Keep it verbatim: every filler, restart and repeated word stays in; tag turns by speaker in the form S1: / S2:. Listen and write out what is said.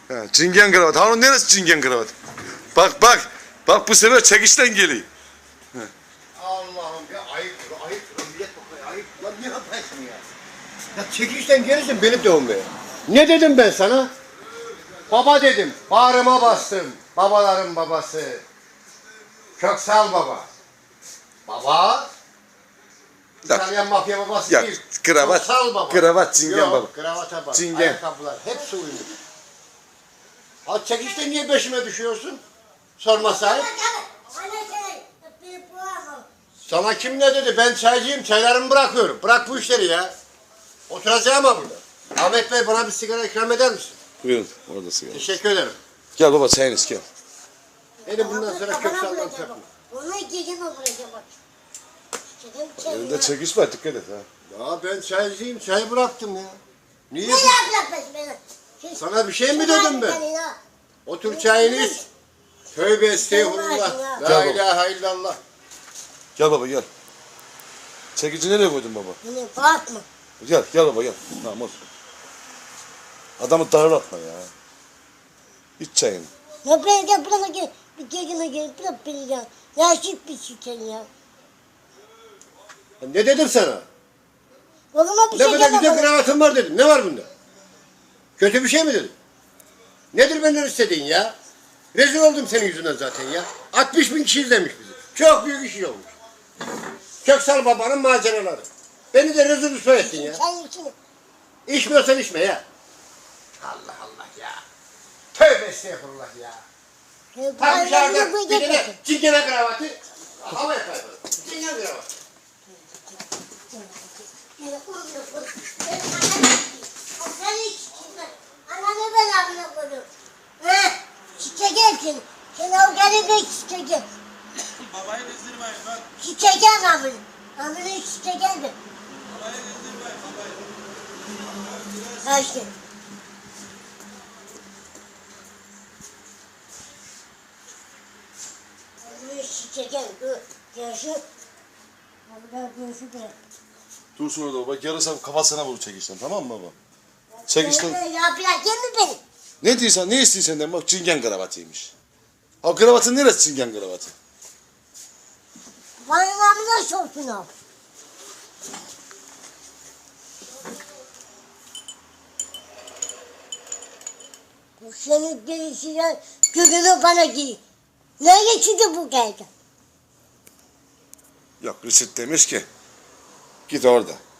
S1: Ha, cingen kravat. Ha onun neresi cingen kravat? Bak bak. Bak bu sefer çekişten geliyor.
S2: Allah'ım ya ayıp ayıp millet bakıyor ayıp. Lan ne yaparsın ya? Ya çekişten gelirsin beni dövmeye. Ne dedim ben sana? Baba dedim. Bağrıma bastım. Babaların babası. Köksal baba. Baba. İtalyan mafya babası
S1: Ya
S2: değil.
S1: kravat.
S2: Köksal baba.
S1: Kravat cingen
S2: Yok,
S1: baba.
S2: kravata bak.
S1: Cingen.
S2: Ayakkabılar hepsi uyumlu. Ha çekişte niye peşime düşüyorsun? Sorma sahip. Sana kim ne dedi? Ben çaycıyım, çaylarımı bırakıyorum. Bırak bu işleri ya. Oturacağım ama burada. Ahmet Bey bana bir sigara ikram eder misin?
S1: Buyurun orada sigara.
S2: Teşekkür ederim.
S1: Gel baba çayını iç gel.
S2: Beni bundan sonra köksaldan takma.
S3: Onu gece mi vuracağım bak.
S1: Elinde çekiş var dikkat et ha.
S2: Ya ben çaycıyım, çay bıraktım ya. Niye?
S3: Ne yapacak beni?
S2: Sana bir şey mi dedim ben? Otur çayını iç. Tövbe estağfurullah.
S1: Gel
S2: La
S1: baba.
S2: ilahe illallah.
S1: Gel baba gel. Çekici nereye koydun baba?
S3: Bunu bakma.
S1: Gel gel baba gel. Tamam olsun. Adamı darlatma ya. İç çayını.
S3: Ya ben gel buraya gel. Bir geceme gel. Bırak beni ya. Yaşık bir şeker ya.
S2: Ya ne dedim sana?
S3: Oğluma bir
S2: Ne
S3: şey
S2: kadar güzel
S3: deme.
S2: kravatın var dedim. Ne var bunda? Kötü bir şey mi dedim? Nedir benden istediğin ya? Rezil oldum senin yüzünden zaten ya. altmış bin kişi izlemiş bizi. Çok büyük iş olmuş. Köksal babanın maceraları. Beni de rezil rüsva ettin ya.
S3: Sen içine.
S2: İçmiyorsan içme ya. Allah Allah ya. Tövbe estağfurullah ya. Tam dışarıda bir tane çingene kravatı. Havaya kaybolur. Çingene kravatı.
S3: Ananı ben abone koydum. He? Çiçek hepsini. Sen o garibe çiçek.
S4: Babayı kızdırmayın bak.
S3: Çiçek abone. Abone çiçek geldi.
S4: Babayı kızdırmayın babayı.
S3: Ha işte. Abone çiçek geldi. Görüşü. Abone görüşü de.
S1: Dursun orada baba. Yarısı kafasına vur çekişten tamam mı baba? Çekişten.
S3: Ya bırak yeme beni.
S1: Ne diyorsan ne istiyorsan senden bak cingen kravatıymış. Ha kravatın neresi cingen kravatı?
S3: Bana namına sorsun abi. Bu senin gelişine gülünü bana giy. Nereye çıktı bu geldi?
S1: Yok Rüşit demiş ki git orada.